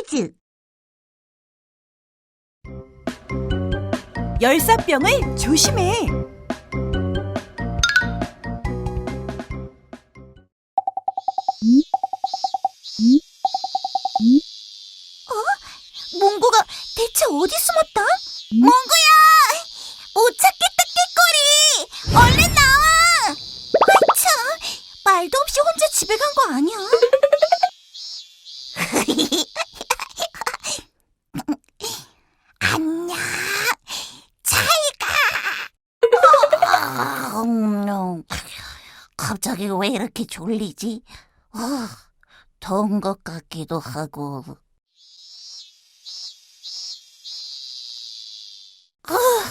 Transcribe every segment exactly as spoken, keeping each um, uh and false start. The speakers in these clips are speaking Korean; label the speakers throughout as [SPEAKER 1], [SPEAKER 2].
[SPEAKER 1] 퀴즈! 열사병을 조심해! 어? 몽구가 대체 어디 숨었다? 몽구야! 못 찾겠다, 깨꼬리! 얼른 나와! 아이 참, 말도 없이 혼자 집에 간 거 아니야? 안녕, 잘 가! 어, 갑자기 왜 이렇게 졸리지? 어, 더운 것 같기도 하고. 어,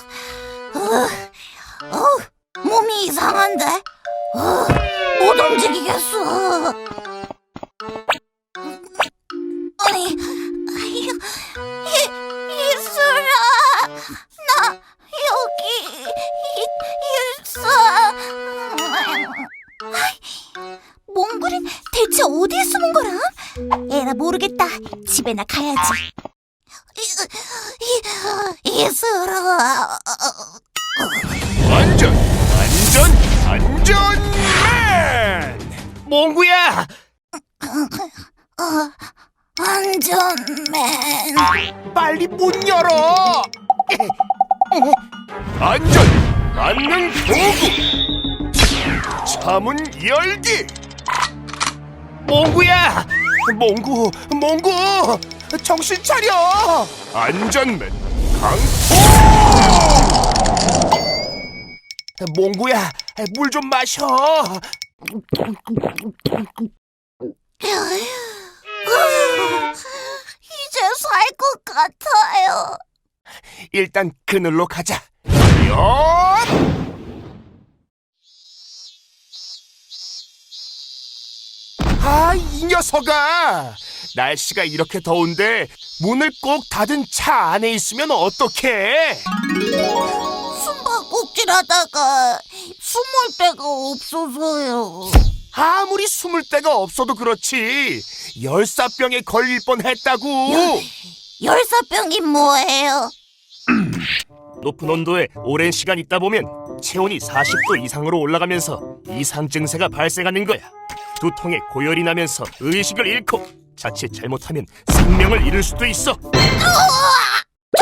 [SPEAKER 1] 어, 어, 몸이 이상한데? 어, 못 움직이겠어. 아니, 이, 이슬아, 나 여기 이, 있어. 몽골은 대체 어디에 숨은 거라? 에라 모르겠다. 집에나 가야지. 이슬아.
[SPEAKER 2] 안전, 안전, 안전맨! 몽구야!
[SPEAKER 1] 어, 안전맨.
[SPEAKER 2] 빨리 문 열어! 안전, 안는 도구! 차문 열기! 몽구야! 몽구, 몽구! 정신 차려! 안전맨 강포! 몽구야, 물 좀 마셔!
[SPEAKER 1] 이제 살 것 같아요.
[SPEAKER 2] 일단 그늘로 가자. 엿! 아, 이 녀석아! 날씨가 이렇게 더운데 문을 꼭 닫은 차 안에 있으면 어떡해?
[SPEAKER 1] 숨바꼭질하다가 숨을 데가 없어서요.
[SPEAKER 2] 아무리 숨을 데가 없어도 그렇지 열사병에 걸릴 뻔했다고.
[SPEAKER 1] 열사병이 뭐예요?
[SPEAKER 2] 높은 온도에 오랜 시간 있다 보면 체온이 사십 도 이상으로 올라가면서 이상 증세가 발생하는 거야. 두통에 고열이 나면서 의식을 잃고 자칫 잘못하면 생명을 잃을 수도 있어.
[SPEAKER 1] 우와! 저,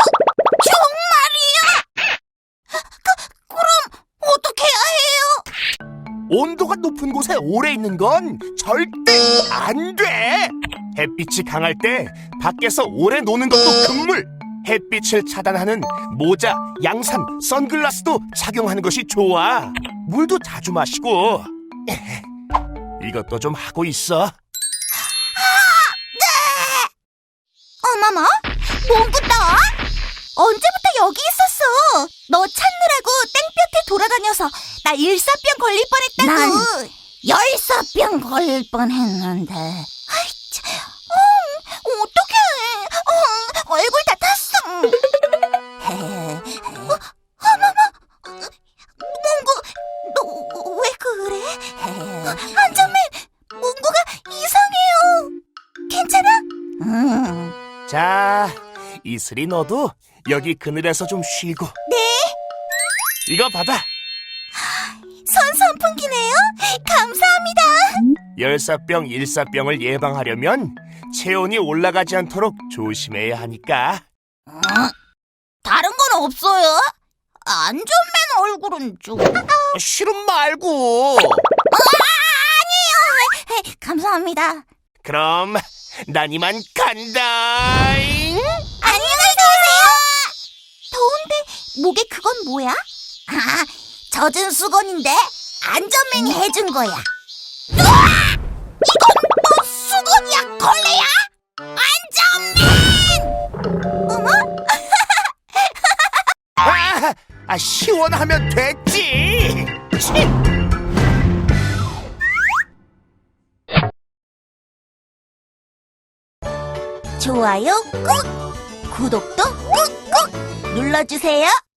[SPEAKER 1] 정말이야? 그, 그럼 어떻게 해야 해요?
[SPEAKER 2] 온도가 높은 곳에 오래 있는 건 절대 안 돼. 햇빛이 강할 때 밖에서 오래 노는 것도 금물. 햇빛을 차단하는 모자, 양산, 선글라스도 착용하는 것이 좋아. 물도 자주 마시고. 이것도 좀 하고 있어.
[SPEAKER 1] 어머머, 몽구 너? 언제부터 여기 있었어? 너 찾느라고 땡볕에 돌아다녀서 나 일사병 걸릴 뻔했다고. 난 열사병 걸릴 뻔했는데. 아이 참, 어, 어떡해. 어, 얼굴 다 탔어. 어, 어머머, 몽구, 너 왜 그래? 안전맨, 몽구가 이상해요. 괜찮아? 음.
[SPEAKER 2] 자, 이슬이 너도 여기 그늘에서 좀 쉬고.
[SPEAKER 1] 네,
[SPEAKER 2] 이거 받아.
[SPEAKER 1] 선 선풍기네요. 감사합니다.
[SPEAKER 2] 열사병, 일사병을 예방하려면 체온이 올라가지 않도록 조심해야 하니까.
[SPEAKER 1] 어? 다른 건 없어요? 안전맨 얼굴은 좀.
[SPEAKER 2] 싫음 말고.
[SPEAKER 1] 아, 아니에요. 에이, 감사합니다.
[SPEAKER 2] 그럼 난 이만 간다잉.
[SPEAKER 1] 안녕히 계세요. 더운데 목에 그건 뭐야? 아, 젖은 수건인데 안전맨이 해준 거야. 우와! 이건 뭐 수건이야, 걸레야? 안전맨! 어머?
[SPEAKER 2] 아, 아 시원하면 됐지. 치.
[SPEAKER 1] 좋아요 꾹! 구독도 꾹꾹 눌러주세요.